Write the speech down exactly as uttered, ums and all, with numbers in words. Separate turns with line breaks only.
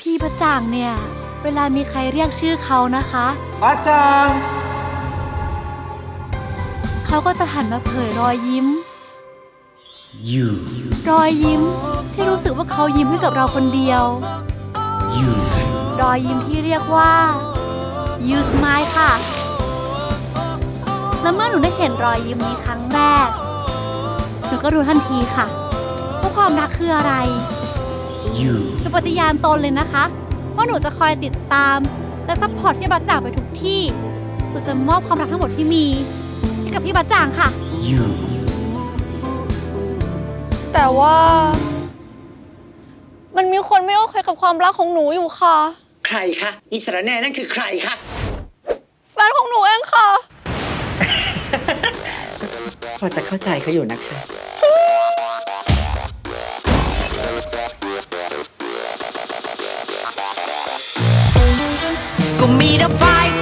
พี่ประจ่างเนี่ยเวลามีใครเรียกชื่อเขานะคะ
ประจ่าง
เขาก็จะหันมาเผยรอยยิ้ม
you
รอยยิ้มที่รู้สึกว่าเขายิ้มให้กับเราคนเดียว
you
รอยยิ้มที่เรียกว่า you smile ค่ะ และเมื่อหนูได้เห็นรอยยิ้มนี้ครั้งแรกหนูก็รู้ทันทีค่ะว่าความรักคืออะไร
you
หนูปฏิญาณตนเลยนะคะว่าหนูจะคอยติดตามและซัพพอร์ตพี่บัจจ่างไปทุกที่หนูจะมอบความรักทั้งหมดที่มีให้กับพี่บัจจ่างค่ะ
you
แต่ว่า มันมีคนไม่โอเคกับความรักของหนูอยู่ค่ะ
ใครคะอิสระแน่นั่นคือใครคะ
แฟนของหนูเองค่ะ
พอจะเข้าใจเขาอยู่นะคะ
ก็มีแต่ไฟ